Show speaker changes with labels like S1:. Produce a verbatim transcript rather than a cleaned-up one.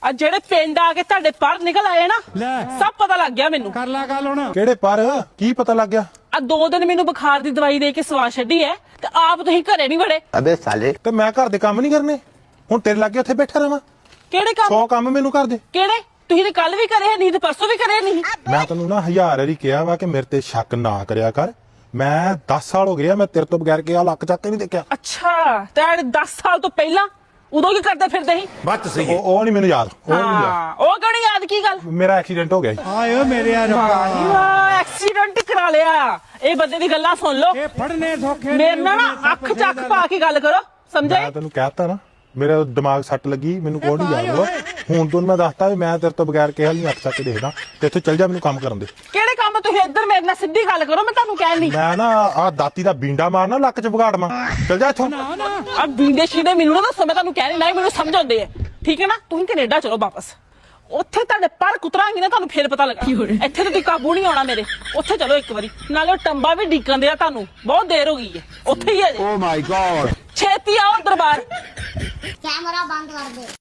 S1: ਆ ਜਿਹੜੇ ਪਿੰਡ ਆ ਕੇ ਤੁਹਾਡੇ ਪਰ ਨਿਕਲ ਆਏ ਨਾ ਸਭ ਪਤਾ ਲੱਗ ਗਿਆ ਮੈਨੂੰ।
S2: ਕਰ ਲਾ ਗੱਲ ਹੁਣ।
S3: ਕਿਹੜੇ ਪਰ ਕੀ ਪਤਾ ਲੱਗ ਗਿਆ?
S1: ਆ ਦੋ ਦਿਨ ਮੈਨੂੰ ਬੁਖਾਰ ਦੀ ਦਵਾਈ ਦੇ ਕੇ ਸਵਾ ਛੱਡੀ ਐ ਤੇ ਆਪ ਤੁਸੀਂ ਘਰੇ ਨਹੀਂ ਵੜੇ।
S4: ਅਬੇ ਸਾਲੇ
S3: ਤੇ ਮੈਂ ਘਰ ਦੇ ਕੰਮ ਨਹੀਂ ਕਰਨੇ, ਹੁਣ ਤੇਰੇ ਲੱਗੇ ਉੱਥੇ ਬੈਠਾ ਰਵਾਂ?
S1: ਕਿਹੜੇ ਕੰਮ?
S3: ਸੌ ਕੰਮ ਮੈਨੂੰ ਕਰ ਦੇ।
S1: ਕਿਹੜੇ? ਤੁਸੀਂ ਤੇ ਕੱਲ ਵੀ ਕਰੇ ਨਹੀਂ ਤੇ ਪਰਸੋਂ ਵੀ ਕਰੇ ਨਹੀਂ।
S3: ਮੈਂ ਤੈਨੂੰ ਨਾ ਹਜ਼ਾਰ ਵਾਰੀ ਕਿਹਾ ਵਾ ਕਿ ਮੇਰੇ ਤੇ ਸ਼ੱਕ ਨਾ ਕਰਿਆ ਕਰ। ਮੈਂ ਦਸ ਸਾਲ ਹੋ ਗਏ ਆ ਮੈਂ ਤੇਰੇ ਤੋਂ ਬਗੈਰ ਕਿਹਾ ਲੱਕ ਚੱਕ ਕੇ ਨਹੀਂ ਦੇਖਿਆ।
S1: ਅੱਛਾ ਤੇ ਦਸ ਸਾਲ ਤੋਂ ਪਹਿਲਾਂ ਉਦੋਂ ਕੀ ਕਰਦੇ ਫਿਰਦੇ ਸੀ?
S2: ਬੱਤ ਸਹੀ
S3: ਉਹ ਉਹ ਨਹੀਂ ਮੈਨੂੰ ਯਾਦ, ਉਹ ਨਹੀਂ ਯਾਦ।
S1: ਹਾਂ ਉਹ ਕਿਉਂ ਨੀ ਯਾਦ? ਕੀ ਗੱਲ?
S3: ਮੇਰਾ ਐਕਸੀਡੈਂਟ ਹੋ ਗਿਆ ਸੀ।
S2: ਆਏ ਓ ਮੇਰੇ ਯਾਰ
S1: ਵਾਹ ਐਕਸੀਡੈਂਟ ਕਰਾ ਲਿਆ। ਇਹ ਬੰਦੇ ਦੀ ਗੱਲਾਂ ਸੁਣ ਲਓ।
S2: ਇਹ ਫੜਨੇ ਸੌਖੇ
S1: ਮੇਰੇ ਨਾਲ ਨਾ ਅੱਖ ਚੱਕ ਪਾ ਕੇ ਗੱਲ ਕਰੋ, ਸਮਝੇ?
S3: ਮੈਂ ਤੈਨੂੰ ਕਹਿਤਾ ਨਾ ਮੇਰਾ ਦਿਮਾਗ ਸੱਟ ਲੱਗੀ, ਮੈਨੂੰ ਕੋਈ ਨਹੀਂ ਯਾਦ ਹੋਇਆ। ਹੁਣ ਤੋਂ ਮੈਂ ਦੱਸਤਾ ਵੀ ਮੈਂ ਤੇਰੇ ਤੋਂ ਬਗੈਰ ਕਿਹਾ ਨਹੀਂ ਅੱਖ ਚੱਕ ਕੇ ਦੇਖਦਾ ਤੇ ਇੱਥੇ ਚੱਲ ਜਾ, ਮੈਨੂੰ ਕੰਮ ਕਰਨ ਦੇ।
S1: ਕਿਹੜੇ ਕੰਮ? ਤੁਸੀਂ ਇੱਧਰ ਮੇਰੇ ਨਾਲ ਸਿੱਧੀ ਗੱਲ ਕਰੋ, ਮੈਂ ਤੁਹਾਨੂੰ ਕਹਿ ਨਹੀਂ।
S3: ਮੈਂ ਨਾ ਆ ਦਾਤੀ ਦਾ ਬੀਂਡਾ ਮਾਰਨਾ ਲੱਕ ਚ ਵਿਗਾੜ ਮਾਂ। ਚੱਲ ਜਾ ਇੱਥੋਂ।
S1: ਆ ਬੀਂਡੇ ਸ਼ੀਡੇ ਮੈਨੂੰ ਨਾ ਦੱਸੋ, ਮੈਂ ਤੁਹਾਨੂੰ ਕਹਿ ਨਹੀਂ, ਨਹੀਂ ਮੈਨੂੰ ਸਮਝ ਆਉਂਦੇ ਆ, ਠੀਕ ਹੈ ਨਾ? ਤੁਸੀਂ ਕੈਨੇਡਾ ਚਲੋ ਵਾਪਸ, ਉੱਥੇ ਤੁਹਾਡੇ ਪਰ ਕੁਤਰਾਂਗੀ ਨਾ ਤੁਹਾਨੂੰ ਫੇਰ ਪਤਾ ਲੱਗਾ। ਇੱਥੇ ਤਾਂ ਤੁਸੀਂ ਕਾਬੂ ਨਹੀਂ ਆਉਣਾ ਮੇਰੇ। ਉੱਥੇ ਚਲੋ ਇੱਕ ਵਾਰੀ, ਨਾਲੇ ਉਹ ਟੰਬਾ ਵੀ ਡੀਕਣ ਦਿਆ ਤੁਹਾਨੂੰ, ਬਹੁਤ ਦੇਰ ਹੋ ਗਈ ਹੈ। ਉੱਥੇ ਹੀ ਹੈ
S4: ਓ ਮਾਈ ਗॉड
S1: ਛੇਤੀ ਆਓ ਦਰਬਾਰ।
S5: कैमरा बंद कर दे।